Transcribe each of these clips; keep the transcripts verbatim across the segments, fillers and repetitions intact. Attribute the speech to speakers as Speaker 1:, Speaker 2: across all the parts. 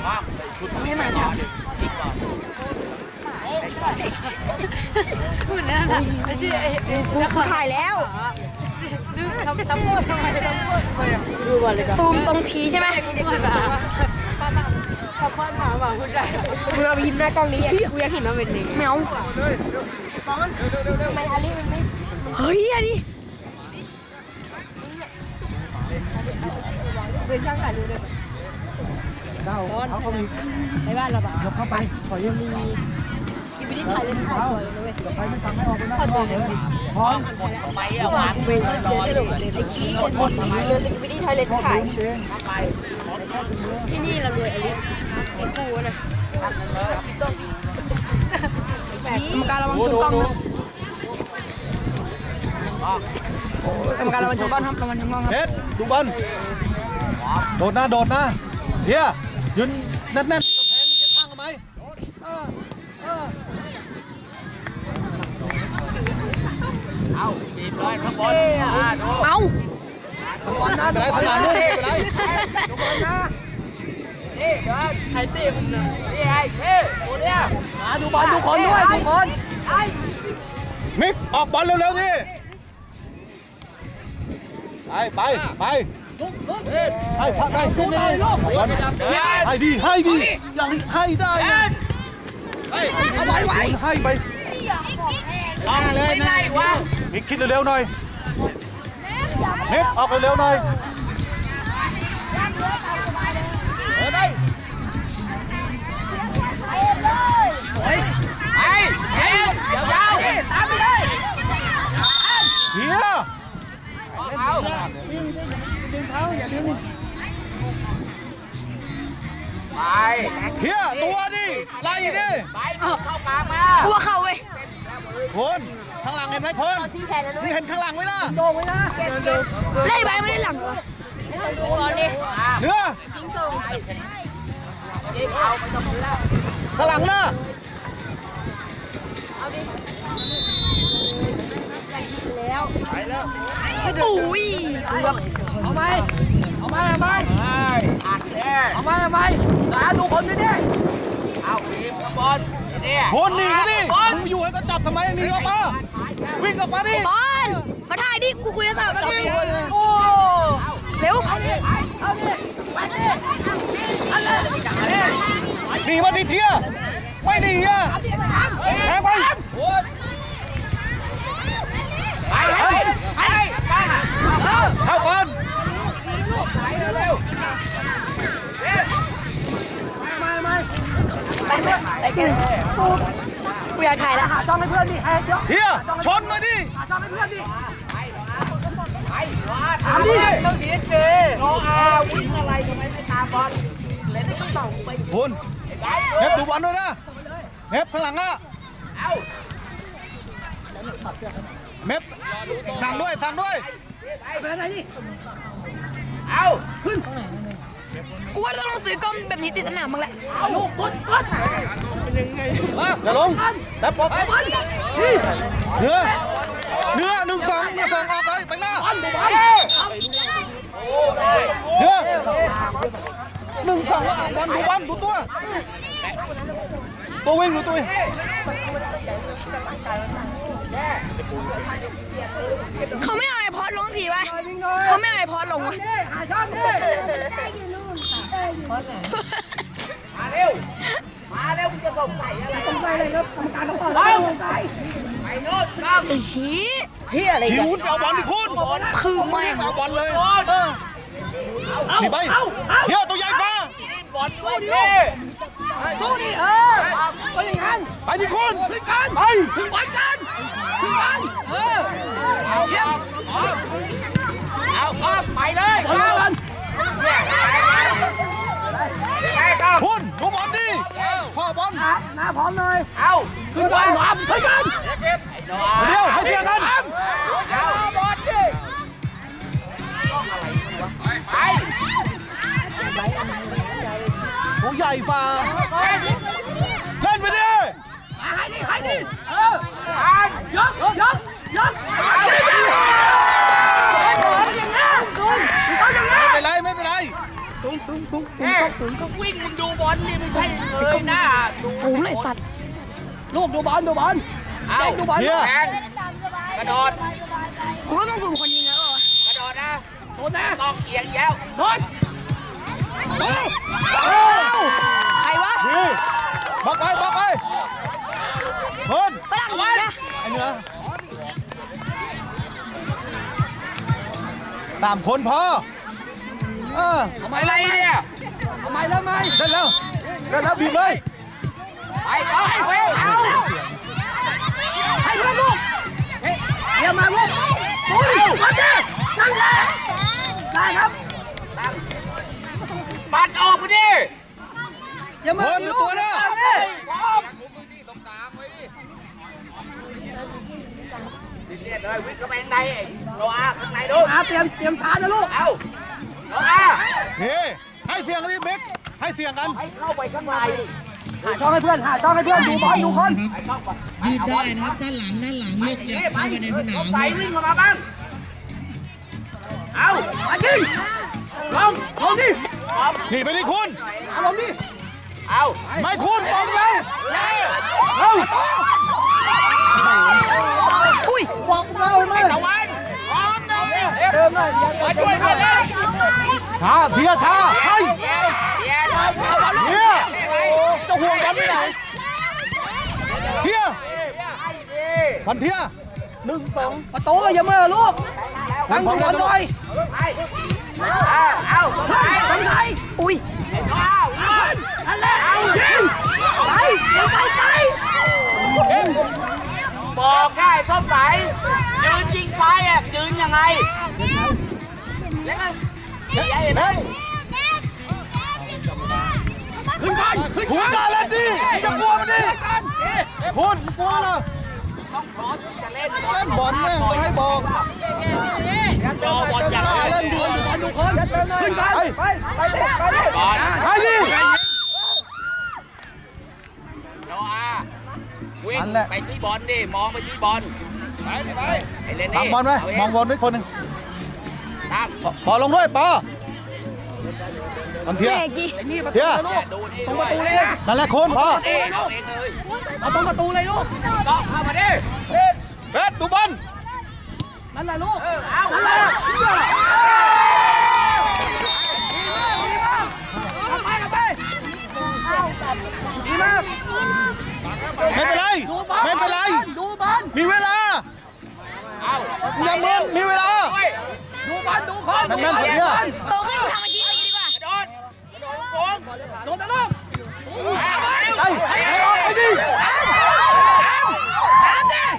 Speaker 1: ไม่มาทำพูดแล้วนะไอ้ที่ไอ้กูถ่ายแล้วทำทำพูดทำไมทำพูดดูก่อนเลยครับตูมตรงพีใช่ไหมขอบคุณถามว่าคุณได้กูเรายิ้มหน้ากล้องนี้กูอยากเห็นว่าเป็นยังไงแมวมองทำไมอันนี้มันไม่เฮ้ยอันนี้เป็นช่างถ่ายรูปเลยเจ้าเขามีในบ้านเราแบบเข้าไปขอยังมีกินไปที่ถ่ายเล่นถ่ายตัวเลยเว้ยไปไม่ฟังไม่ออกไม่ได้เลยพร้อมไปอ่ะวางเป็นรอเลยไอ้ขี้คนหมดเจอสกิปปี้ไทยเล่นถ่ายที่นี่เรารวยอลิสไอ้กูนะกรรมการระวังชนกล้องนะกรรมการระวังชนกล้องครับระวังชนกล้องครับ
Speaker 2: เฮ็ดดูบอลโดดนะโดดนะเฮียยืนแน่นๆกำแพงยืนข้างกันไหมเอาบีบเลยข้างบน
Speaker 1: เอา
Speaker 2: ดูบอลนะดูบอลนะดูบอลนะดูบอลนะนี่เดิน
Speaker 1: ใครตีมันนะ
Speaker 2: นี่ไอ้เท่ตัวเนี้ย
Speaker 1: มาดูบอลทุกคนด้วยทุกคน
Speaker 2: มิกออกบอลเร็วๆดิไปไปไปให้พักได้ดูได้ลูกให้ดีให้ดีอย่างนี้ให้ได้
Speaker 1: เอาไว้ไว้
Speaker 2: ให้ไป
Speaker 1: ออกเลยนะ
Speaker 2: มิกคิดเร็วๆหน่อยมิกออกเร็วๆหน่อยเออได้
Speaker 1: ไอ้ไอ้เดี๋ยวยาวตามไปเลย
Speaker 2: เฮีย
Speaker 1: เอาดึงดึงเขาอย่าดึงไป
Speaker 2: เฮียตัวดิไล่ดิ
Speaker 1: ไปเข้ากลางมากูว่าเข้าเว้ย
Speaker 2: คนข้างหลังเห็นไหมคนมึงเห็นข้างหลังไหมล่ะ
Speaker 1: โดนไว้นะเล่ใบไม่ได้หลังวะดูบอลดิ
Speaker 2: เนื้อ
Speaker 1: ทิ้งส่ง
Speaker 2: ข้างหลังนะ
Speaker 1: เอาดิแล้วไปแล้วอุ้ยเอาไหมเอาไหมเอาไหมอัดแน่เอาไหมเอาไหมตาดูคนนี่ดิเอาทีมบอลนี่
Speaker 2: คนหนีดิมึงอยู่ให้ก็จับทำไมหนีออกมาวิ่งออกมาดิ
Speaker 1: บอลมาถ่ายดิกูคุยกับสาวแป๊บนึงโอ้เร็วเอาดิเอาดิไปดิเอาเลย
Speaker 2: หนีมาดิเทียไม่หนีอ่ะแทงไป
Speaker 1: ไปไปไปไป
Speaker 2: เข้าก่อน
Speaker 1: มามาไปเพื่อนไปกันกูอยากถ่ายแล้วหาช่องให้เพื่อนดิให้เจ้า
Speaker 2: เฮียชนมาดิ
Speaker 1: หาช่องให้เพื่อนดิถามดิต้องดีเจโนอาวิ่งอะไรทำไมไม่ตามบอลเล่นได้ต้องต่อไป
Speaker 2: คุณเน็บดูบอลด้วยนะเน็บข้างหลังอ่ะเน็บสั่งด้วยสั่งด้วย
Speaker 1: ไปไหนดิเอาขึ้นกูว่าต้องซื้อกล้องแบบนี้ติดสนามบ้างแหละลูกปุ๊บปุ๊บเป็นยังไง
Speaker 2: อย่าลงแป๊บปอกเนื้อเนื้อหนึ่งสองหนึ่งสองออกไปไปหน้าเนื้อหนึ่งสองแล้วบอลดูบอลดูตัวตัววิ่งดูตัว
Speaker 1: เขาไม่เอาไอพอดลงทีวะเขาไม่เอาไอพอดลงวะหาช่องดิมาเร็วมาเร็วมึงจะส่งใส่อะไรส่งใส่อะไรครับกรรมการต้องเปิดส่งใส่ไปโน่นครับไอชี้เฮียอะไร
Speaker 2: กันคุณเอาบอลดิคุณ
Speaker 1: คือไม่
Speaker 2: เอาบอลเลยหนีไปเฮียตัวใหญ่ฟ้า
Speaker 1: บอลสู้ดิสู้ดิเออก็อย่างนั้น
Speaker 2: ไปดิคุณ
Speaker 1: ขึ้นกัน
Speaker 2: ไป
Speaker 1: ขึ้นบอลกันขึ้นกันเออเอาเยี่ยมเอาเอาไปเลยบอลกัน
Speaker 2: คุณดูบอลดิพ่อบอล
Speaker 1: หน้าพร้อมเลยเอาขึ้นบอลหลอมขึ้นกัน
Speaker 2: เดี๋ยวให้เสียกัน
Speaker 1: เอาบอลดิไป
Speaker 2: ตัวใหญ่ฟ้าเล่นไปดิ
Speaker 1: ให้ดิให้ดิเออยกยกยกอย่างนี้คุณเขาอย่างนี้
Speaker 2: ไม่เป็นไรไม่เป็นไร
Speaker 1: สูงสูงสูสูงสูงสูง
Speaker 3: วิ่งมึงดูบอลนี่ไม่ใช่เลยนะดู
Speaker 1: สูงเลยสัตว์ลูกดูบอลดูบอล
Speaker 3: เอา
Speaker 1: ดูบอล
Speaker 2: เฮีย
Speaker 3: แทงกระโดด
Speaker 1: กูก็ต้องสูงคนยิงแล้ว
Speaker 3: กระโดดนะ
Speaker 1: โดนนะ
Speaker 3: ต้องเอียงแย้ว
Speaker 1: โดนใครวะ
Speaker 2: ดีบล็อกไปบล็อกไปคน
Speaker 1: ฝรั่งยิงนะ
Speaker 2: ไอ้เนื้อตามคนพอเออ
Speaker 3: ทำไมอะไรเนี่ย
Speaker 1: ทำไมแล้วไหม
Speaker 2: เล่นแล้วเล่นแล้วบีบเลย
Speaker 3: ไปเอาไปเอา
Speaker 1: ให้เพื่อนลูกเดี๋ยวมาลูกปุ้ยมาดินั่งแหละได้ครับ
Speaker 3: ปัดออกไปดิ
Speaker 1: อย่ามา
Speaker 2: คนดูตัวนะ
Speaker 3: พร้อมเรียกเลยวิ่งเข้าไปข้างในโนอาข้างในดู
Speaker 1: อาเตรียมเตรียมชาร์จนะลูก
Speaker 3: เอาโนอา
Speaker 2: เฮ้ให้เสียงกันดิเบกให้เสียงกัน
Speaker 3: ให้เข้าไปข้างใน
Speaker 1: หาช่องให้เพื่อนหาช่องให้เพื่อนดูบอลดูคน
Speaker 3: ให้เข้าไป
Speaker 4: ยืดได้นะครับด้านหลังด้านหลังลูกอยากเข้าไปในสนาม
Speaker 3: ใส่วิ่งเข้ามาบ้างเอา
Speaker 1: มายิงลงลงดิ
Speaker 2: หนีไปดิคุณ
Speaker 1: เอาลงดิ
Speaker 3: เอา
Speaker 2: ไม่คุณบอลแล้วเอ้า
Speaker 1: อุ้ย
Speaker 2: บอกเราไหม
Speaker 3: ตะวันพร้อมนะ
Speaker 2: เติมหน่อย
Speaker 3: มาช่วยเพื่อนเลย
Speaker 2: ท่าเทียท่าให้
Speaker 3: เดี๋ยวเดี๋ยว
Speaker 2: เทียจะห่วงกันที่ไหนเทียพันเทียหนึ่งสอง
Speaker 1: ประตูอย่าเมื่อลูกฟังดูบอลหน่อย
Speaker 3: เอาเอาไป
Speaker 1: ทำไงอุ้ย
Speaker 3: เอาเอา
Speaker 1: นั่นแหละยิงไปไปไป
Speaker 3: บอกได้ส้มใสยืนยิงไฟอ่ะยืนยังไงแล้วก็ใหญ่ไหม
Speaker 1: ขึ้นกันขึ้น
Speaker 2: คุณกล้าเล่นดิจะกลัวมันดิคุณกลัวเหรอ
Speaker 3: ต้องพร้อมที่จะเล่น
Speaker 2: เล่นบอลแม่งต้องให้บอก
Speaker 3: รอบอลอย่างเดียว
Speaker 2: เล่น
Speaker 1: ดู
Speaker 2: ดี
Speaker 1: บอลดูคนขึ้นกัน
Speaker 2: ไปไปไปดิไปดิ
Speaker 3: บอล
Speaker 2: ไปดิ
Speaker 3: โนอาวิ่งไปที่บอลดิมองไปที่บอลไปไปไอ้เล่น
Speaker 2: ทำบอลไหมมองบอลด้วยคนหนึ่ง
Speaker 3: ตั้ง
Speaker 2: ปอลงด้วยปอพันเทีย
Speaker 1: นี่ประ
Speaker 2: เที
Speaker 1: ตู
Speaker 2: ย
Speaker 1: ลูก
Speaker 3: ดูนี่
Speaker 1: ตรงประตูเลยนะ
Speaker 2: นั่นแหละคุณพอ
Speaker 3: เองเอาเองเลย
Speaker 1: เอาตรงประตูเลยลูก
Speaker 3: ก็เข้ามาดิ
Speaker 2: เฟสดูบอล
Speaker 1: นั่นแหละลูก
Speaker 3: เอา
Speaker 1: นั่นแหละไปกันไปดีมาก
Speaker 2: ไม่เป็นไร
Speaker 1: ดูบอล
Speaker 2: ไม่เป็นไร
Speaker 1: ดูบอล
Speaker 2: มีเวลา
Speaker 3: เอา
Speaker 2: อย่ามึนมีเวลา
Speaker 1: ดูบอลดูคน
Speaker 2: แม่นๆผมเนี่ย
Speaker 1: โตขึ้นทำอาชีพดีกว่าก
Speaker 3: ระโดดกระโดดโค้ง
Speaker 1: โดนนะลูก
Speaker 2: ไปไปออกไปดิ
Speaker 1: ตามดิ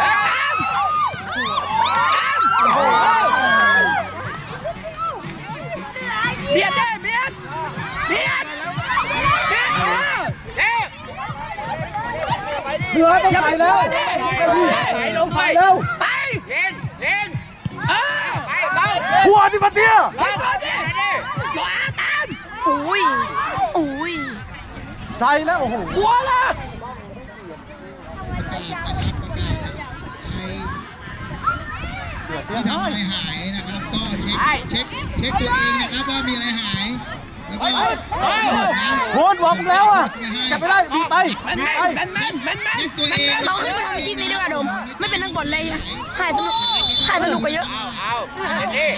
Speaker 1: เบียดได้เบียดเบียดเบียด
Speaker 3: เอ๊ะ
Speaker 2: เหนือต้องไปแล้ว
Speaker 3: ไปลงไป
Speaker 2: เร็ว
Speaker 1: ไป
Speaker 3: เล่นเล่น
Speaker 1: เออ
Speaker 3: ไปเข้า
Speaker 2: หัวดิพันเทีย
Speaker 3: ไปก่อนดิ
Speaker 1: หวาตาม
Speaker 5: อุ้ย อุ้ย
Speaker 2: ใจแล้วโอ้โห
Speaker 1: หัวละ
Speaker 4: ที่ทำอะไรหายนะครับก็เช็คเช็คเช็คตัวเองนะครับว่ามีอะไรหาย แล้วก็ที่หมดนะ
Speaker 2: คุณบอกมึงแล้วอ่ะจับไม่ได้บีบไปบีบไป
Speaker 1: แมนแมนแมนแมน
Speaker 4: เช็คตัวเอง
Speaker 5: เราขึ้นมาทำอาชีพนี้ดีกว่าโดม ไม่เป็นนักบอลเลยถ่ายสนุกถ่ายสนุกกว่าเยอะ
Speaker 3: เอาเอาเล่นดิ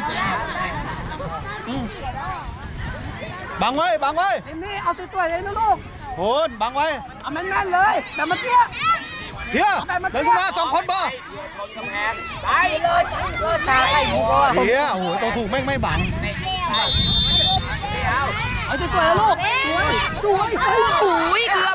Speaker 2: บังไว้บังไว้
Speaker 1: เอ็มนี่เอาตัวๆเลยนะลูก
Speaker 2: คุณบังไว้
Speaker 1: เอาแมนแมนเลยแบบเมื่อกี้
Speaker 2: เทียเดินขึ้นมาสองคนบ่
Speaker 3: กำแพงไปเลยตาใครดีกว่า
Speaker 2: เทียโอ้โหตัวถูกแม่งไม่บัง
Speaker 3: เอา
Speaker 1: เอาสวยๆนะลูกสวยสวย
Speaker 5: อุ้ยเกือบ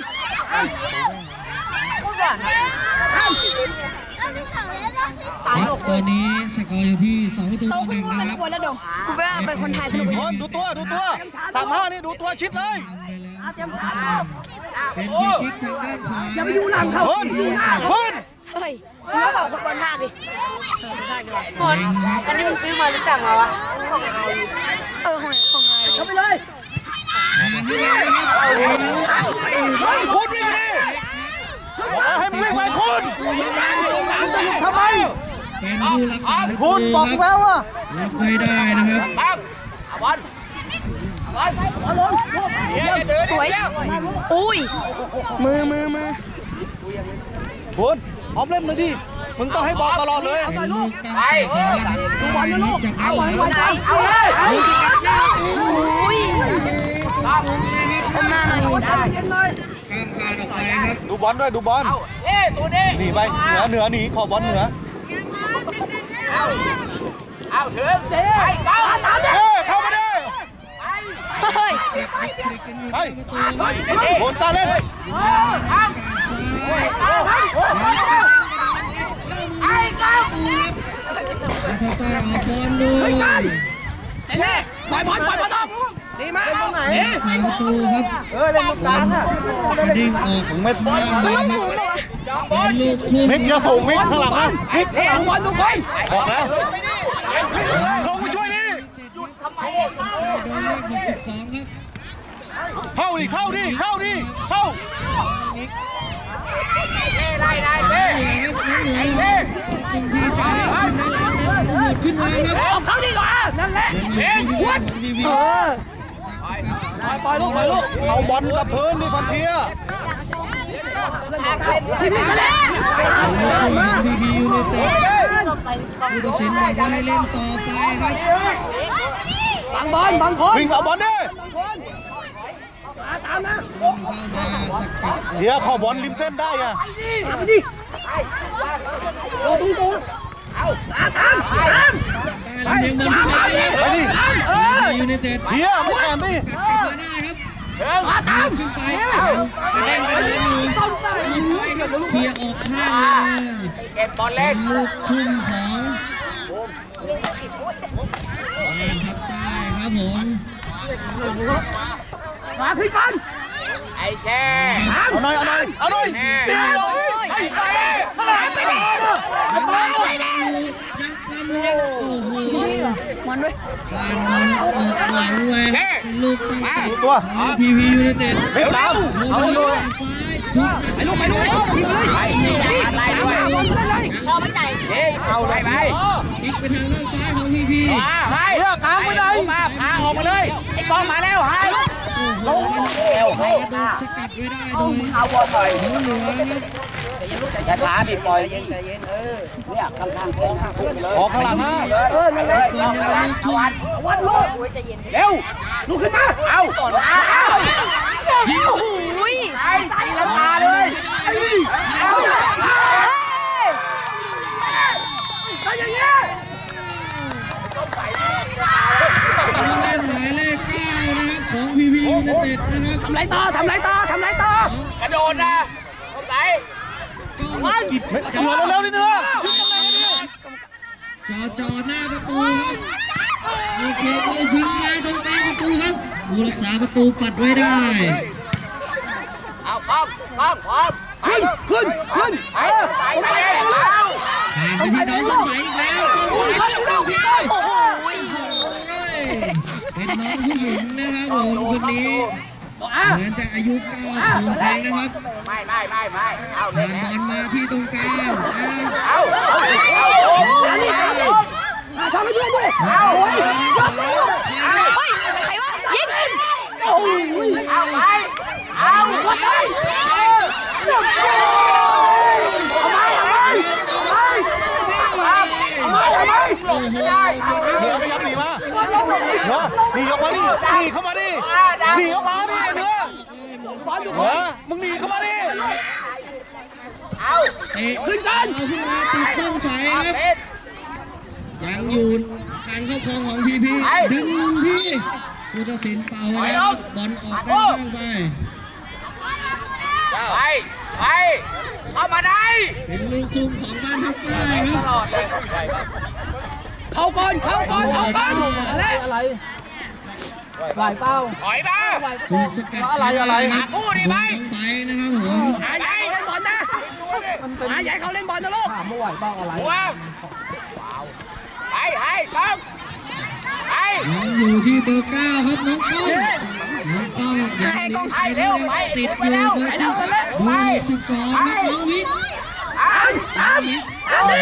Speaker 4: ครับตอนนี้สกอร์อยู่ที่สองประตู
Speaker 5: โต
Speaker 4: ต่อห
Speaker 5: ขึ้น
Speaker 4: นึ่ง
Speaker 5: มา
Speaker 4: นะ
Speaker 5: เป็น
Speaker 4: ค
Speaker 5: นั
Speaker 4: รั
Speaker 5: ก
Speaker 4: บบ
Speaker 5: อลแล้วโดมกูว่าเป็นคนถ่ายสนุกกว่า
Speaker 2: ค
Speaker 5: เย
Speaker 2: น
Speaker 5: อะ
Speaker 2: ดูตัวดูตัวตามห้านี่ดูตัวชิดเลย
Speaker 1: เอาเตรียมชาร์จลูก
Speaker 4: เป็นฟรีคิกทางด้านขวา
Speaker 1: อย่าไปอยู่หลังเขา
Speaker 2: คุณ
Speaker 1: อยู่หน้าเขา
Speaker 2: คุณ
Speaker 5: เฮ้ยมึงก็ขอฟุตบอลท่าดิ
Speaker 4: บอลครับ
Speaker 5: อันนี้มึงซื้อมาหรือสั่งมาวะเออของของไง
Speaker 1: เข้าไปเลย
Speaker 4: นี่นะครับ
Speaker 2: คุณวิ่งดิให้มึงวิ่งไปคุณ
Speaker 4: ตัวยับยั้งลงมา
Speaker 2: ทำไม
Speaker 4: เป็นผู้รักษาประตู
Speaker 2: คุณบอก
Speaker 4: ครับ
Speaker 2: แล้วอ่ะ
Speaker 4: รับไม่ได้นะครับ
Speaker 3: ตั้งเอาบอล
Speaker 5: สวย อุ้ย มือมือมือ
Speaker 2: คุณพร้อมเล่นมาดิมึงต้องให้บอลตลอดเลย
Speaker 3: ไปดูบอลนะลูกเอาบอลไปเอาเลย
Speaker 5: อุ้ยก้มหน้าหน่อย
Speaker 4: ข้ามคานออกไปครับ
Speaker 2: ดูบอลด้วยดูบอล
Speaker 3: เอ้ตัวนี้
Speaker 2: หนีไปเหนือเหนือหนีขอบอลเหนือ
Speaker 3: เอาเอาถึงไปก้าวตามเลย
Speaker 2: เฮ้ยเข้ามาดิ
Speaker 5: เฮ้ย
Speaker 2: ไปโดนตาเล่น
Speaker 3: ไอ้ก้าว
Speaker 4: อาทตาออกบอลดู
Speaker 3: เน่ปล่อยบอลปล่อยบอลออกดีมาก
Speaker 4: สามประตูครับ
Speaker 2: เออเล่นตรงกลางอ่ะ
Speaker 4: กระดิ่งออก
Speaker 2: มึงไม่
Speaker 4: บอลบอลครับ
Speaker 3: จองบบ อ
Speaker 4: อ
Speaker 3: ล
Speaker 4: ลลูกทุ่ม
Speaker 2: มิกอย่าส่งมิกข้างหลังนะมิก
Speaker 3: เอ้ยบอลทุกคน
Speaker 2: บอกแล้วลงไปช่วยดิ
Speaker 4: โดนเลขหกสิบสองครับ
Speaker 2: เข้าดิเข้าดิเข้าดิเข้า
Speaker 3: ไล่ได้เฮ้
Speaker 4: เหนือครับน้องเหนือเราตึงทีไปขึ้นในหลังเดินหลังหมดขึ้นมาครับ
Speaker 3: เอาเขาดีกว่านั่นแหละเองวัด
Speaker 4: ทีวี
Speaker 5: เออ
Speaker 3: ปล่อยลูกปล่อยลูก
Speaker 2: เอาบอลกับพื้นดิฟันเทีย
Speaker 3: ทีนี้ก็แล้ว
Speaker 4: พีพียูไนเต็ดผู้ตัดสินบอกว่าให้เล่นต่อไปครับ
Speaker 3: บังบอลบังคน
Speaker 2: วิ่งเอาบอลดิ
Speaker 3: ตามนะ
Speaker 4: เข้ามาสกัด
Speaker 2: เดี๋ยวเข้าบอลริมเส้นได้อะ
Speaker 3: ไปดิโอ้ตุ้งตุ้งเอาตามตาม
Speaker 4: ได้ลำเลียงบอลขึ้นมาครับ
Speaker 2: ไปดิ
Speaker 3: เออ
Speaker 4: ยูไนเต็ด
Speaker 2: เฮียมึงแอบดิ
Speaker 4: กัดกลับมาได้ครับ
Speaker 3: มาตาม
Speaker 4: ขึ้นไปเอากระเด้งกระเด้งหนึ่งยิงไปครับเคลียร์ออกข้างเลย
Speaker 3: เก็บบอลเล่น
Speaker 4: ลูกทุ่มของบ้านทับใต้ครับผม
Speaker 3: มาขึ้นกันไอ้แช่
Speaker 2: เอาหน่อยเอาหน่อยเอาหน่อยตีหน่อย
Speaker 3: ไอ้เต้
Speaker 4: ยังลำเลียงโอ้โห
Speaker 5: มันด้วย
Speaker 4: การบอลออกหลังไว้เป็นลูกตั้งแต่
Speaker 2: ตัว
Speaker 4: ของพีพียูไนเต็ด
Speaker 2: เล็บตาม
Speaker 4: เอา
Speaker 2: เอา
Speaker 4: ไป
Speaker 2: อยู่
Speaker 4: ทางซ้ายถูกตัด
Speaker 3: ไปลูกไปลูกไปเลยไล่ด้วย
Speaker 5: พอมันใจ
Speaker 3: เฮ้ยเอาไปไป
Speaker 4: พลิกไปทางด้านซ้ายของพีพี
Speaker 3: มาให้เลือกกลางไปไหนมาพาออกมาเลยไอ้กองมาแล้วให้
Speaker 4: ลงเร็วให้โดนสกัดไว้ได้โดย
Speaker 3: เอาบอลหน่อย
Speaker 4: เหนือครับ
Speaker 3: อย่าช้าดิปล่อยใจเย็นเออเนี่ยข้างๆโค้งข้างพุ่งไปเลย
Speaker 2: ออกข้างหลังนะ
Speaker 3: เออนั่นแหละเอาวันเอาวันวันลูกเร็วลูกขึ้นมาเอาเอาเอา
Speaker 5: โอ้ย
Speaker 3: ไอ้ใส่ละตาเลยเอาไปอย่างเงี้ย
Speaker 4: ผู้เล่นหมายเลขเก้านะครับของพีพียูไนเต็ดนะครับ
Speaker 3: ทำไรต่อทำไรต่อทำไรต่อกระโดดนะไหน
Speaker 4: ก้องกิจ
Speaker 2: เหนือเร็วๆนิดนึง
Speaker 4: จอจอหน้าประตูครับโอเคเอายิงมาตรงกลางประตูครับผู้รักษาประตูปัดไว้ได้
Speaker 3: เอาพร้อมพร้อมพร้อมขึ้นขึ้นขึ้นไปไปไปเอา
Speaker 4: ผ่านไปที่น้องสงสัยอีกแล้วก็ไหวแล้วพี่โอ้โหเป็นน้องผู้หญิงนะครับผมคนนี้เหมือนจะอายุเก้าขวบเองนะครับ
Speaker 3: ไม่ไม่ไม่ไม่เอาเล
Speaker 4: ผ่าย นบอลมาที่ตรงกลาง
Speaker 3: เอาเอาทำให้เพื่อนด้วยเอา
Speaker 5: เฮ้ย ใครวะ ยิง
Speaker 3: เอาไปเอาวัดไปเอาไปเอาไปเอาไปเอาไป
Speaker 2: เหนือขยับหนีมาเหนือหนีออกมาดิหนีเข้ามาดิหนีออกมาดิเหนือเหนือมึงหนีเข้ามาดิ
Speaker 3: เอา
Speaker 4: เตะขึ้นกันเอาขึ้นมาติดส้มใสครับยังอยู่การครอบครองของพีพีดึงที่ผู้ตัดสินเป่าไว้แล้วบอลออกด้านข้างไป
Speaker 3: ไปไปเข้ามาได้
Speaker 4: เป็นลูกทุ่มของบ้านทับใต้ค
Speaker 3: ต
Speaker 4: รับ
Speaker 3: ลอดเลยเข้าก่อนเข้าก่อนเข้าก่อนอะไร
Speaker 2: อะไรไหวเป้า
Speaker 3: ถอยมา
Speaker 4: ถูกสกัด
Speaker 2: อะไรอะไร
Speaker 4: ครับ
Speaker 3: คู่ดีไหม
Speaker 4: ต้องไปนะครับผม
Speaker 3: หาใหญ่เล่นบอลนะหาใหญ่เขาเล่นบอลนะลูก
Speaker 2: ถามว่าไหวเป้าอะไร
Speaker 3: หัวไปให้ต้องไป
Speaker 4: ยังอยู่ที่เบอร์เก้าครับน้องก้องน้องก้องยังหนีไปได้ติดอยู่เบอร์ที่เบอร์สิบสองครับน้องวิทย์
Speaker 3: อันอันอันนี้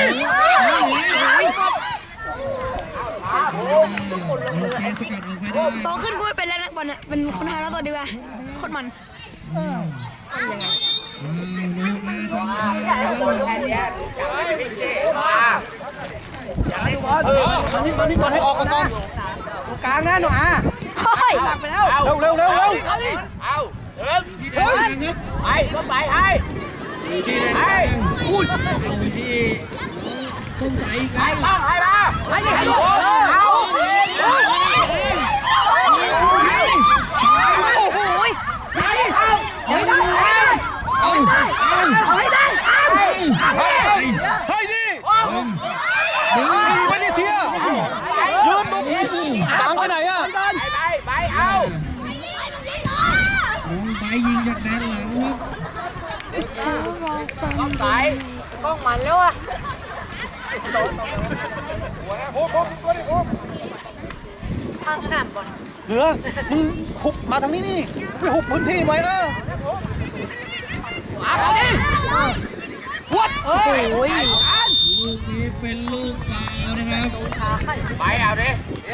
Speaker 4: โอ้โหสกัดออกไปได้
Speaker 5: โตขึ้นกูไม่เป็นแล้วนะบอลเนี่ยเป็นคนไทยแล้วตัวดีกว่าโคตรมัน
Speaker 4: อืมน้องมาทำอะไรนะครับ
Speaker 2: มานี่มานี่ก่อนให้ออกก่อน
Speaker 1: กลางนะหนูอ่ะ
Speaker 5: เฮ้ย
Speaker 1: หลักไปแล้ว
Speaker 2: เร็วเร็วเร็วเร็ว
Speaker 1: เอาดิ
Speaker 3: เอาถึง
Speaker 4: ที่แดนกลางครับ
Speaker 3: ไปก็ไปให้
Speaker 4: อยู่ที่แดนกลางเอาไปที่ต้มใสอีก
Speaker 3: ให้
Speaker 4: แล้ว
Speaker 3: ต้องให้มา
Speaker 1: ให้ดิให้ดิ
Speaker 3: เอา
Speaker 5: โอ้โหย
Speaker 1: ให้ดิเอาให้ได้
Speaker 4: เอาเอา
Speaker 1: เอาให้ได้
Speaker 2: ให้ดิ
Speaker 4: ดึง
Speaker 2: ไม่ได้เที่ยยืนตรงตามไปไหนอ่ะ
Speaker 3: ไปไปไปเอา
Speaker 4: น้องไปยิงจากแดนหลังครับ
Speaker 3: ต้องไป
Speaker 1: กล้องมันแล้วอ่ะทางขนาดก่อน
Speaker 2: เหลือมึงหุบมาทางนี้นี่ไปหุบพื้นที่ไว้เออ
Speaker 1: เอาดิวัดเฮ้ย
Speaker 5: โอ้ย
Speaker 4: ลูกนี้เป็นลูกฟาวล์นะครับ
Speaker 3: ไปเอาดิ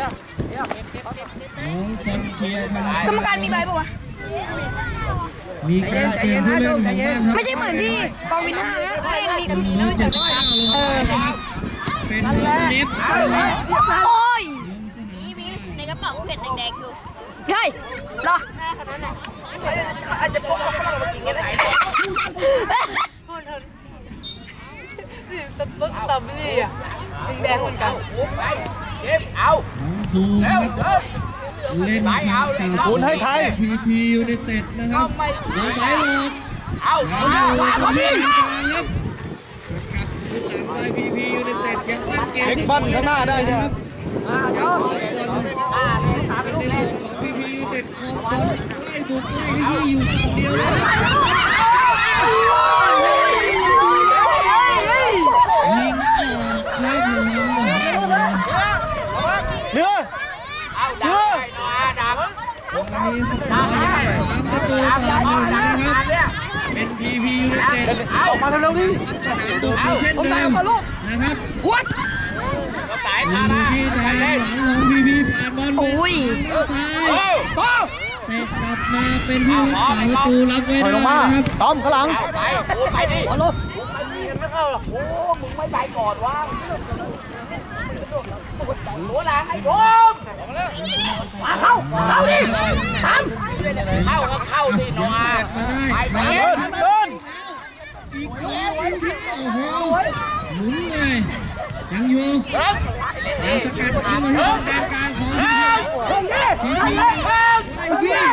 Speaker 4: น้องฟอนเคียร์ทำ
Speaker 5: กรรมการมีใบป่าวะ
Speaker 4: มีการเปลี่ยนผู้เล่นของบ้านครับ
Speaker 5: ไม่ใช่เหมือนที่กองวินห้านะเองมี
Speaker 4: เป็นร้อยเจ็ดสิบเก้าลงไปนะครับเป็นน้องเนฟนะครับ
Speaker 5: โอ้ย
Speaker 6: ในกระเป๋าเห็นแดงๆอยู่
Speaker 5: เฮ้ยรอ
Speaker 1: อาจจะพกเขามากินกันได้พูดเถอะรถรถตับนี่อ่ะแดงเหมือนกัน
Speaker 3: ไปเก็บเอา
Speaker 4: น้องภูมินะครับเล่นทางกับ
Speaker 2: คุณให้ไทย
Speaker 4: พีพียูไนเต็ดนะครับน้องไปหลอก
Speaker 3: เอา
Speaker 4: น้องอยู่ตรงนี้กลางครับสกัดหลังไปพีพียูไนเต็ดยังตั้งเกม
Speaker 2: เอ็กบันข้างหน้าได้เนี่ย
Speaker 1: อ่าชอบ
Speaker 4: เป็นในส่วนของพีพียูไนเต็ดคลองบอลไล่บุกไล่ที่อยู่ฝั่งเดียวนะครับยิงออกครับผม
Speaker 2: เนื้อ
Speaker 3: เอาดักไปหน่อยดัก
Speaker 4: วันนี้สกอร์ยังสามประตูต่อหนึ่งนะครับเป็นพีพียูไนเต็ด
Speaker 2: ออกมาเร็วๆดิ
Speaker 4: สนามบุกอยู่เช่นเดิมนะครับ
Speaker 1: วัด
Speaker 3: ก็สาย
Speaker 4: อ
Speaker 3: พา
Speaker 4: ยู่
Speaker 3: มา
Speaker 4: ที่แดนหลังของพีพีผ่านบอลไปทางซ้าย
Speaker 3: โอ้
Speaker 1: โอ้
Speaker 4: เตะกลับมาเป็นผู้รักษาประตูรับไว้
Speaker 2: ถอย
Speaker 4: ได้
Speaker 2: ลงมา
Speaker 4: นะครับ
Speaker 2: ต้อมข้างหลัง
Speaker 3: เอาไปโอ้ไปดิ
Speaker 1: เอาลง
Speaker 3: ไม่เข้าหรอกโอ้มึงไม่ไปก่อนวะหัวหลังไอ้โดม
Speaker 1: มาเข้าเข้าดิทำ
Speaker 3: เข้าก็เข้าดิหน่อย
Speaker 4: แตะมาได้
Speaker 3: ไปไป
Speaker 4: มา
Speaker 2: เดินเดิน
Speaker 4: อีกแล้วโอ้โหหมุนเลยยังอยู่
Speaker 3: เริ่ม
Speaker 4: ยังสกัดเข้ามาที่แดนกลางของพี
Speaker 1: ลงดิ
Speaker 4: พี
Speaker 1: ไล่
Speaker 4: ไล่
Speaker 1: เลย
Speaker 4: พี่ไล่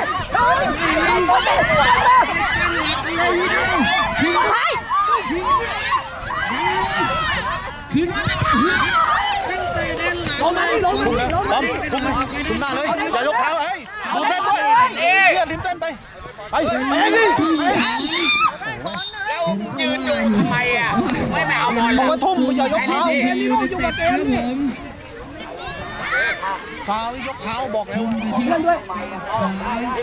Speaker 4: ตั้งหลักเลยพี่พีขึ้นมาตั้งแต่แดนหลัง
Speaker 1: ลงมาดิลงมาดิลง
Speaker 2: ต้
Speaker 1: มา
Speaker 2: อม
Speaker 1: ดิ
Speaker 2: คุมคุมหน้าเลยอย่ายกเท้าเฮ้ยดูเต้นด้วยเลือดลิ้มเต้นไปไปไปดิ
Speaker 3: แล้วยืนอยู่ทำไมอ่ะไม่ไม่เอาบอล
Speaker 2: บอกว่าทุ่มอย่ายกเท้า
Speaker 4: อยู่กับเกมครับผม
Speaker 2: ฟาวนี่ยกเท้าบอกแล้ว
Speaker 1: เพื่อนด้วย
Speaker 4: ขวาน้องป้องยัง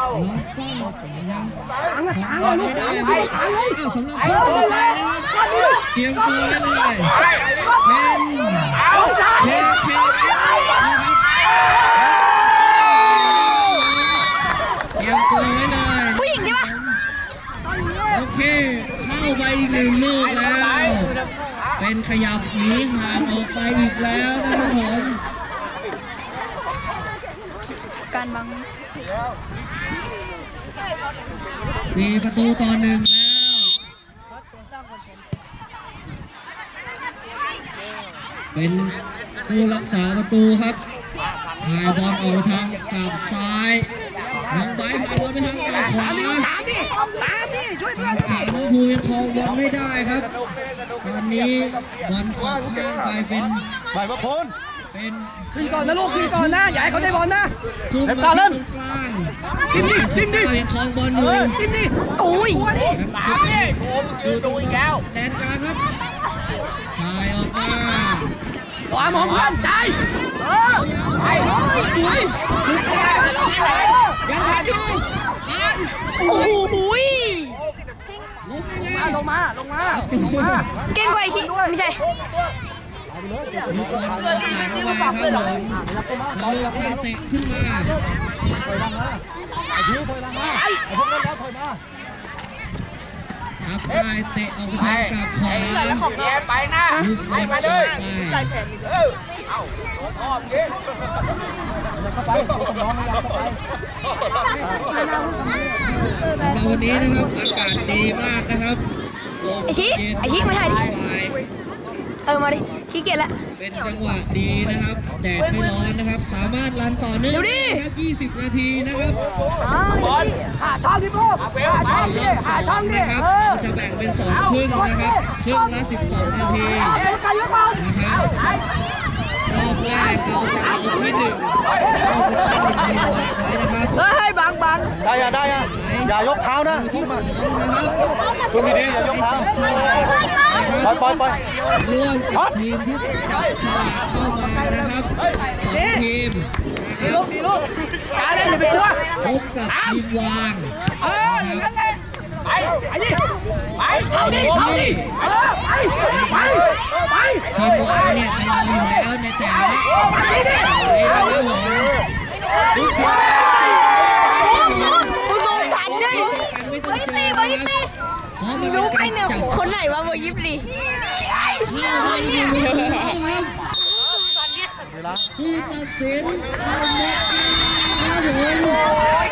Speaker 1: กลางนะกลางเลยลูกกลางเลยกลางเลย
Speaker 4: อ้าวสำหรับผู้ต่อไปนะครับเตรียมตัวไว้เลยเป็นเคเคนะครับเตรียมตัวไว้เลย
Speaker 5: ผู้หญิงใช่ปะ
Speaker 4: โอเคเข้าไปอีกหนึ่งลูกแล้ว เป็นขยับหนีห่างออกไปอีกแล้วนะครับผม
Speaker 5: การบัง
Speaker 4: สี่ประตูต่อหนึ่งแล้วเป็นผู้รักษาประตูครับถ่ายบอลออกทางกลับซ้ายน้องไบร์ทผ่านบอลไปทางกลับขวา
Speaker 1: ตามดิตามดิช่วยเพื่อน
Speaker 4: ขาน้องภูยังครองบอลไม่ได้ครับ ตอนนี้บอลออกข้างไปเป็น
Speaker 2: ไปมาโคน
Speaker 4: เป็น
Speaker 1: ขึ้นก่อนนะลูกขึ้นก่อนนะอย่าให้เขาได้บอลนะ
Speaker 4: ทุ่มมาที่ตรงกลางจิ้มดิจิ้มดิยังครองบอลอยู่
Speaker 1: จิ้มดิ
Speaker 5: โอ้ย
Speaker 1: หัวดิ
Speaker 3: ตามดิโอ้มึงยืนดูอีกแล้ว
Speaker 4: แดนกลางครับถ่ายออกมา
Speaker 1: ขวามองเพื่อนใจเออ
Speaker 3: ไป
Speaker 4: ยังทันอยู่ทัน
Speaker 5: โอ้โหย
Speaker 4: ลงยังไง
Speaker 1: ลงมาลงมาลงมา
Speaker 5: เก่งกว่าไอ้ที่ไม่ใช่
Speaker 1: ล
Speaker 4: เสื้อรีไม่ซื้อมาฝากเลยหรอเราได้เตะขึ้นมาครับได้เตะออกไปกับขวา
Speaker 3: แย่ไปนะให้มาเลยเออเอาอ้อมยิง
Speaker 4: วันนี้นะครับอากาศดีมากนะครับ
Speaker 5: ไอชิไอชิมาถ่ายดิเออมาดิขี้เกียจละ
Speaker 4: เป็นจังหวะดีนะครับแดดไม่ร้อนนะครับ สามารถรันต่อเนื่องนะครับยี่สิบนาทีนะครับ
Speaker 3: บอล
Speaker 1: หาช่องที่พูดหาช่องดิหาช่องดิ
Speaker 4: นะครับ
Speaker 1: เออ
Speaker 4: จะแบ่งเป็นสองครึ่งนะครับครึ่งละสิบสองนาที
Speaker 1: เอ็นกันยกบอล
Speaker 4: นะครับรอบแรกเราจะเอาที่หนึ่งเราจะตั้งเป็นทีมวางไว้นะครับ
Speaker 1: เฮ้ยบังบัง
Speaker 2: ได้อะได้อะอย่ายกเท้านะ
Speaker 4: ที่สองนะครับ
Speaker 2: ช่วงดีๆอย่ายกเท้าปล่อยปล่อยปล่อย
Speaker 4: ร่วมกับทีมที่จับฉลากเข้ามานะครับสองทีม
Speaker 1: ดีลูกดีลูกกาเล่นอย่าไปกลัว
Speaker 4: พบกับทีมวาง
Speaker 1: เออนั่นแหละ
Speaker 3: ไปไปดิไป
Speaker 1: เข้าดิเข้าดิเออไปไปไป
Speaker 4: ทีมวางเนี่ยจะรออยู่แล้วในแต่ละสายนะครับผมทุกคน
Speaker 5: ผ่านเลย
Speaker 4: กันไม่ต้องเจอนะครับเพราะมันเป็นการจับ
Speaker 5: คนไหนวะโมยิบลี
Speaker 4: เข้าไปอยู่แล้วครับผู้ตัดสินเอาหมดเวลาครับผม